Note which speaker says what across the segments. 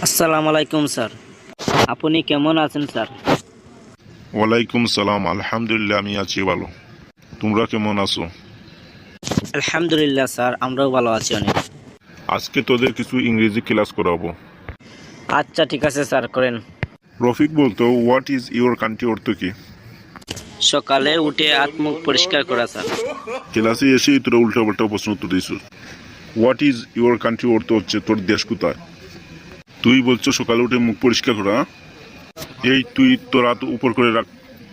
Speaker 1: আসসালামু আলাইকুম স্যার, আপনি কেমন আছেন স্যার?
Speaker 2: ওয়ালাইকুম সালাম, আলহামদুলিল্লাহ আমি আছি ভালো। তোমরা কেমন আছো?
Speaker 1: আলহামদুলিল্লাহ স্যার, আমরাও ভালো আছি অনেক।
Speaker 2: আজকে তোদের কিছু ইংরেজি ক্লাস করাবো।
Speaker 1: আচ্ছা ঠিক আছে স্যার, করেন।
Speaker 2: রফিক বলতো, হোয়াট ইজ ইউর কান্ট্রি অর্থ কি?
Speaker 1: সকালে উঠে হাত মুখ পরিষ্কার করা স্যার।
Speaker 2: ক্লাসে এসেই তোরা উল্টা পাল্টা প্রশ্ন উত্তর দিস। হোয়াট ইজ ইউর কান্ট্রি অর্থ হচ্ছে তোর দেশ কোথায়। তুই বলছো সকালে উঠে মুখ পরিষ্কার করা। এই তুই তোর হাত উপর করে রাখ।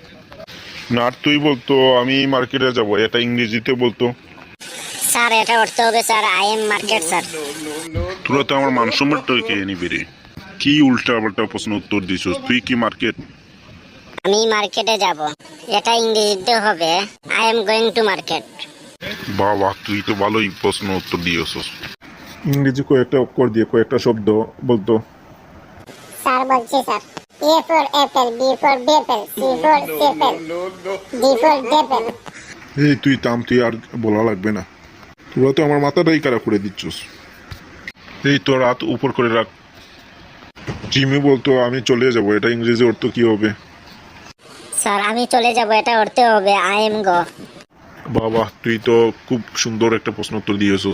Speaker 2: না, আর তুই বলতো আমি মার্কেটে যাব, এটা ইংরেজিতে বলতো।
Speaker 3: স্যার এটা অর্থ হবে sir I am market sir.
Speaker 2: তোরা তো আমার মান সম্মানটাই খেয়ে নিবি রে। কি উল্টা পাল্টা প্রশ্ন উত্তর দিস, তুই কি মার্কেট?
Speaker 3: আমি মার্কেটে যাব, এটা ইংরেজিতে হবে I am going to market.
Speaker 2: বাবা, তুই তো ভালোই প্রশ্ন উত্তর দিয়েছস। ইংরেজি কয়েকটা অক্ষর দিয়ে কয়েকটা শব্দ বলতো।
Speaker 3: স্যার বলছি sir, A for apple, B for bepple, C for sepple, D for depple.
Speaker 2: এই তুই থাম, তুই আর বলা লাগবে না। তোরা তো আমার মাথাটাই খারাপ করে দিচ্ছস। এই তোর হাত উপর করে রাখ। জিমি বলতো আমি চলে যাব, এটা ইংরেজি অর্থ কি হবে?
Speaker 3: স্যার আমি চলে যাব, এটা অর্থ হবে আই এম গো।
Speaker 2: বাবা, তুই তো খুব সুন্দর একটা প্রশ্ন উত্তর দিয়েছস।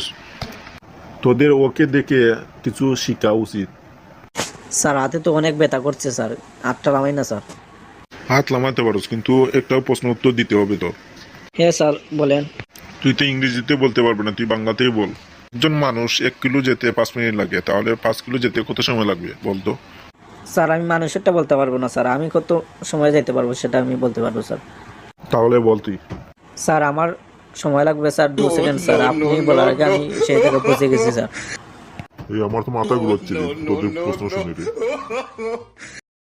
Speaker 2: তোদের ওকে দেখে কিছু শেখা উচিত।
Speaker 1: স্যার হাতে তো অনেক ব্যথা করছে স্যার, হাতটা নামাই না স্যার।
Speaker 2: হাত লামাতে পারোস, কিন্তু একটা প্রশ্ন উত্তর দিতে হবে তোর।
Speaker 1: হ্যাঁ স্যার বলেন।
Speaker 2: তুই তো ইংরেজিতে বলতে পারবে না, তুই বাংলাতেই বল। একজন মানুষ 1 কিলো যেতে 5 মিনিট লাগে, তাহলে 5 কিলো যেতে কত সময় লাগবে বলতো?
Speaker 1: স্যার আমি মানুষেরটা বলতে পারবো না স্যার, আমি কত সময় যাইতে পারবো সেটা আমি বলতে পারবো স্যার।
Speaker 2: তাহলে বল তুই।
Speaker 1: স্যার আমার সময় লাগবে স্যার 2 সেকেন্ড স্যার, আপনি বলার আগে আমি সেই জায়গায় পৌঁছে গেছি স্যার।
Speaker 2: এই আমার তো মাথা ঘুরাচ্ছে রে, তোদের প্রশ্ন শুনে রে।